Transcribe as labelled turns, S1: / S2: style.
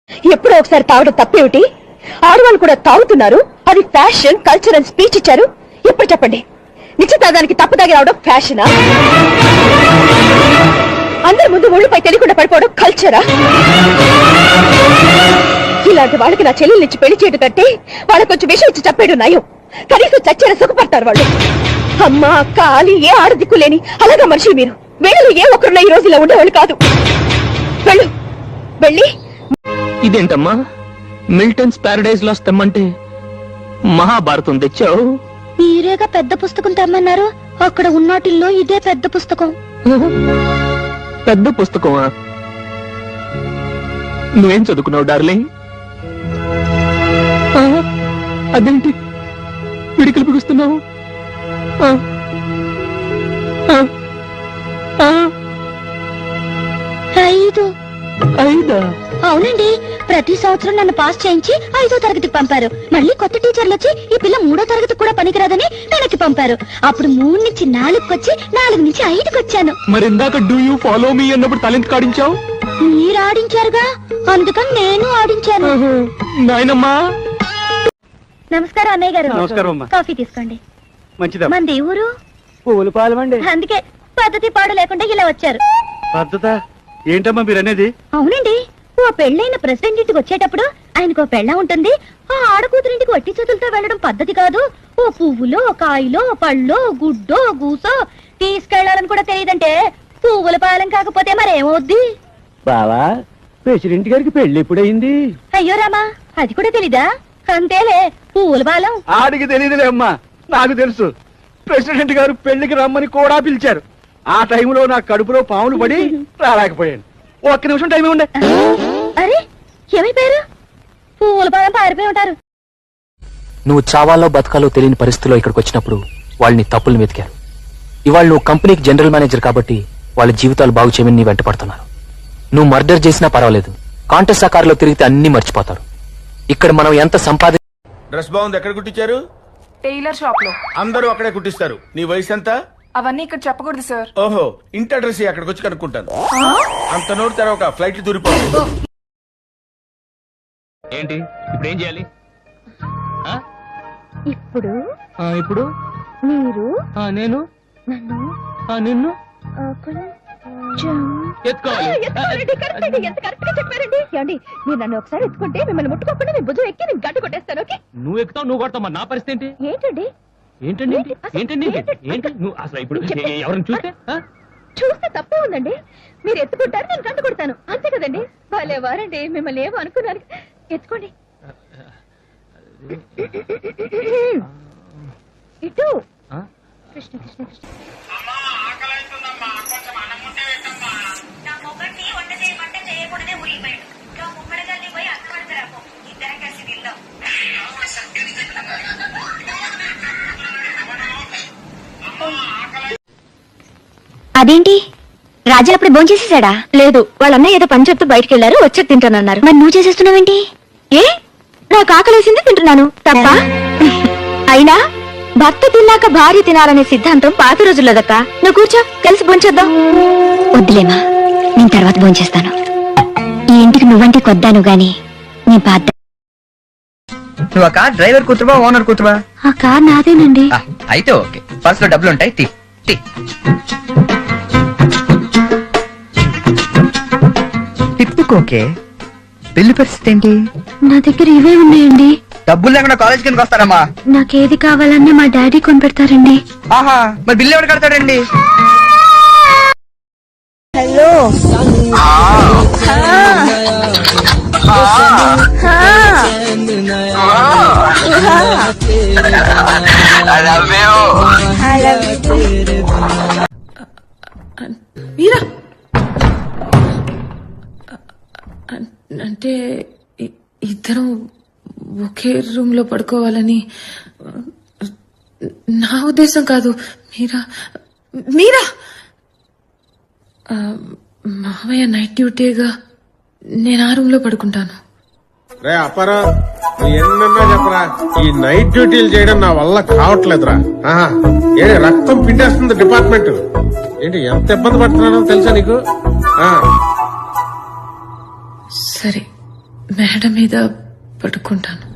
S1: ఎప్పుడో ఒకసారి తాగడం తప్పేమిటి? ఆడవాళ్ళు కూడా తాగుతున్నారు. అది ఫ్యాషన్, కల్చర్ అని స్పీచ్ ఇచ్చారు. ఇప్పుడు చెప్పండి, నిశ్చితార్థానికి తప్పు తాగి రావడం ఫ్యాషనా? అందరి ముందు ఒళ్ళుపై తెలియకుండా పడిపోవడం కల్చరా? ఇలాంటి వాళ్ళకి నా చెల్లెల్నిచ్చి పెళ్లి చేయడం కంటే వాళ్ళకి కొంచెం విషయం ఇచ్చి చెప్పేయడం నయం. కనీసం చచ్చేలా సుఖపడతారు వాళ్ళు. అమ్మ, అక్క, ఆలి ఏ ఆడదిక్కు లేని అలాగా మనుషులు మీరు. వీళ్ళు ఏ ఒక్కరున్నా ఈ రోజు ఇలా ఉండేవాళ్ళు కాదు. వెళ్ళు, వెళ్ళి.
S2: ఇదేంటమ్మా మిల్టన్స్ ప్యారడైజ్ లాస్ తెమ్మంటే మహాభారతం తెచ్చావు?
S3: మీరేగా పెద్ద పుస్తకం తెమ్మన్నారు. అక్కడ ఉన్నటిల్లో ఇదే పెద్ద పుస్తకం.
S2: పెద్ద పుస్తకమా? నువ్వేం చదువుకున్నావు డార్లింగ్? అదేంటి పిడికలు బిగుస్తున్నావు? ఐదా?
S3: అవునండి, ప్రతి సంవత్సరం నన్ను పాస్ చేయించి 5వ తరగతికి పంపారు. మళ్ళీ కొత్త టీచర్లు వచ్చి ఈ పిల్ల 3వ తరగతి కూడా పనికిరాదని వెనక్కి పంపారు. అప్పుడు 3 నుంచి 4కి వచ్చి 4 నుంచి 5కి వచ్చాను.
S2: మరి ఇందాక డూ యూ ఫాలో మీ అన్నప్పుడు తలెందుకు ఆడించావు?
S3: మీరు ఆడించారుగా, అందుకని నేను ఆడించాను.
S2: నాయనమ్మా.
S3: నమస్కారం అన్నయ్య గారు.
S4: నమస్కారం.
S3: కాఫీ తీసుకోండి.
S4: మంచిదా?
S3: మంది ఊరు
S4: పువ్వులు పాలమండి.
S3: అందుకే పద్ధతి పాడు లేకుండా ఇలా వచ్చారు.
S4: పద్ధత ఏంటమ్మా మీరు అనేది?
S3: అవునండి, ఓ పెళ్ళైన ప్రెసిడెంట్ ఇంటికి వచ్చేటప్పుడు ఆయనకు ఓ పెళ్ళ ఉంటుంది. ఆ ఆడకూతురింటికి వట్టి చేతులతో వెళ్ళడం పద్ధతి కాదు. ఓ పువ్వులో, కాయలో, పళ్ళో, గుడ్డో, గూసో తీసుకెళ్లాలని కూడా తెలియదంటే పువ్వుల పాలెం కాకపోతే మరేమవుద్ది?
S4: బావా, ప్రెసిడెంట్ గారికి పెళ్లి ఎప్పుడైంది?
S3: అయ్యో రామా, అది కూడా తెలీదా? అంతేలే, పువ్వుల పాలెం.
S4: ఆడికి తెలియదులే అమ్మా, నాకు తెలుసు. ప్రెసిడెంట్ గారు పెళ్లికి రమ్మని కూడా పిలిచారు. ఆ టైంలో నా కడుపులో పాములు పడి రాలేకపోయాను. ఒక్క నిమిషం టైం ఉండే.
S3: అరే, ఏమైపోయారు? పువ్వుల పాలెం పారిపోయి ఉంటారు.
S2: నువ్వు చావాలో బతకాలో తెలియని పరిస్థితిలో ఇక్కడికి వచ్చినప్పుడు వాళ్ళని తప్పులు వెతికారు. ఇవాళ నువ్వు కంపెనీకి జనరల్ మేనేజర్ కాబట్టి వాళ్ళ జీవితాలు బాగు చేయమని నీ వెంట పడుతున్నారు. నువ్వు మర్డర్ చేసినా పర్వాలేదు, కాంటెస్ట్ ఆకారంలో తిరిగితే అన్ని మర్చిపోతారు. ఇక్కడ మనం ఎంత సంపాది.
S5: డ్రెస్ బాగుంది. ఎక్కడ కుట్టించారు?
S6: టైలర్ షాప్ లో.
S5: అందరూ అక్కడే కుట్టిస్తారు. నీ వయసు ఎంత?
S6: అవన్నీ ఇక్కడ చెప్పకూడదు సార్.
S5: ఓహో, ఇంటి అడ్రస్ అక్కడికి వచ్చి కనుక్కుంటాను. అంత నోటి తర్వాత ఫ్లైట్ దూరిపోతుంది.
S2: ఏంటి ఇప్పుడు ఏం చేయాలి?
S3: ఇప్పుడు
S2: ఇప్పుడు
S3: మీరు
S2: నేను
S3: నన్ను
S2: నిన్ను
S3: కొంచెం
S2: ఎత్తుకోవాలి.
S1: ఎంత కరెక్ట్ గా చెప్పారండి. ఏమండి, మీరు నన్ను ఒకసారి ఎత్తుకుంటే మిమ్మల్ని ముట్టుకోకుండా నేను భుజం ఎక్కి నేను గడ్డ కొట్టేస్తాను. ఓకే?
S2: నువ్వు ఎక్కుతావు, నువ్వు కొడతావు. నా పరిస్థితి ఏంటి?
S1: ఏంటండి
S2: ఏంటండి ఏంటండి ఏంటి నువ్వు అసలు ఇప్పుడు ఎవరిని చూస్తే
S1: చూస్తే తప్పే ఉందండి. మీరు ఎత్తుకుంటారు, నేను గంట కొడతాను. అంతే కదండి? వాళ్ళే వారండి, మిమ్మల్ని ఏమో అనుకున్నాను. ఎత్తుకోండి. ఇటు కృష్ణ కృష్ణ కృష్ణ.
S3: అదేంటి, రాజా అప్పుడు భోంచేసేసాడా? లేదు, వాళ్ళన్న ఏదో పని చెప్తూ బయటకు వెళ్లారు, వచ్చాక తింటానన్నారు. మరి నువ్వు చేసేస్తున్నావేంటి? ఏ, నాకు ఆకలేసింది తింటున్నాను. తప్ప? అయినా భర్త తిన్నాక భార్య తినాలనే సిద్ధాంతం పాత రోజుల్లోదక్క. నువ్వు కూర్చో, కలిసి భోంచేద్దాం. వద్దులేమా, నేను తర్వాత భోంచేస్తాను. ఈ ఇంటికి నువ్వంటే కొద్దాను గాని నీ బాధ్యత.
S7: నువ్వు ఆ కార్ డ్రైవర్ కూతురువా ఓనర్ కూతురువా?
S3: ఆ కార్ నాదేనండి.
S7: అయితే ఓకే, పర్స్ లో డబ్బులు ఉంటాయి. టిప్పుకోకే. పెళ్లి పరిస్థితి ఏంటి?
S3: నా దగ్గర ఇవే ఉన్నాయండి.
S7: డబ్బులు లేకుండా కాలేజ్ కిందకి వస్తారమ్మా?
S3: నాకేది కావాలన్నా మా డాడీ కొని పెడతారండి.
S7: ఆహా, మరి బిల్లు ఎవరు కడతాడండి?
S1: హలో,
S6: మీరా అంటే ఇద్దరం ఒకే రూమ్ లో పడుకోవాలని నా ఉద్దేశం కాదు. మీరా మీరా మావయ్య నైట్ డ్యూటీగా నేను ఆ రూమ్ లో పడుకుంటాను.
S8: రే అప్పారా, ఎన్నన్నా చెప్పరా, ఈ నైట్ డ్యూటీలు చేయడం నా వల్ల కావట్లేదురా. ఏ రక్తం పిండేస్తుంది డిపార్ట్మెంట్. ఏంటి ఎంత ఇబ్బంది పడుతున్నానో తెలుసా నీకు?
S6: సరే, మేడ మీద పడుకుంటాను.